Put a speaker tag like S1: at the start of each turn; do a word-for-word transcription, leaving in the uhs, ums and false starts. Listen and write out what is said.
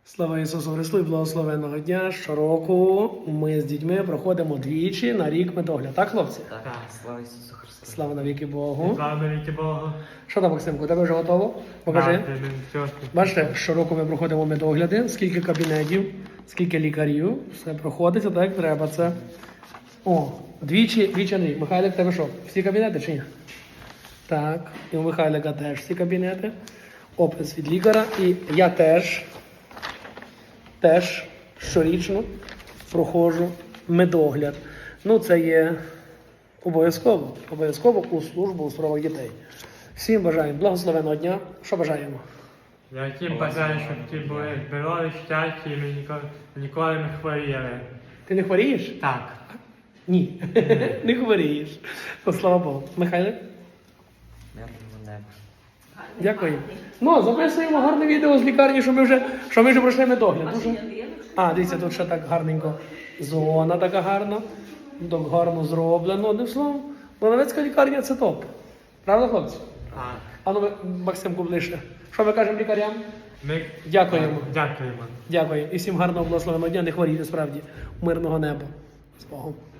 S1: Слава Ісусу Христу і благословенного дня. Щороку ми з дітьми проходимо двічі на рік медогляд. Так, хлопці?
S2: Так, слава Ісусу Христу.
S1: Слава навіки Богу.
S3: Слава навіки Богу.
S1: Що там, Максимку, тебе вже готово? Покажи.
S3: Так, ти чітко.
S1: Бачите, щороку ми проходимо медогляди, скільки кабінетів, скільки лікарів, все проходиться так, як треба. Це. О, двічі, двічі на рік. Михайлик, тебе що? Всі кабінети чи ні? Так, і у Михайлика теж всі кабінети. Опис від лікаря. І я теж, теж щорічно проходжу медогляд. Ну, це є обов'язково, обов'язково у службу у справах дітей. Всім бажаємо благословенного дня. Що бажаємо?
S3: Я всім бажаю, щоб ті були здорові, щасті, і ми ніколи, ніколи не хворіли.
S1: Ти не хворієш?
S3: Так.
S1: Ні, не хворієш. То слава Богу. Михайле?
S2: Мирного неба.
S1: Дякую. Ну, записуємо гарне відео з лікарні, що ми вже, що ми вже пройшли медогляд. Дуже... А, дивіться, тут ще так гарненько. Зона така гарна. Так гарно зроблено. Одним словом, Лановецька лікарня – це топ. Правда, хлопці?
S3: Так.
S1: А ну, Максимку, ближче. Що ми кажемо лікарям?
S3: Ми...
S1: Дякуємо.
S3: Дякуємо.
S1: Дякую. І всім гарного благословеного дня. Не хворійте, справді. Мирного неба. З Богом.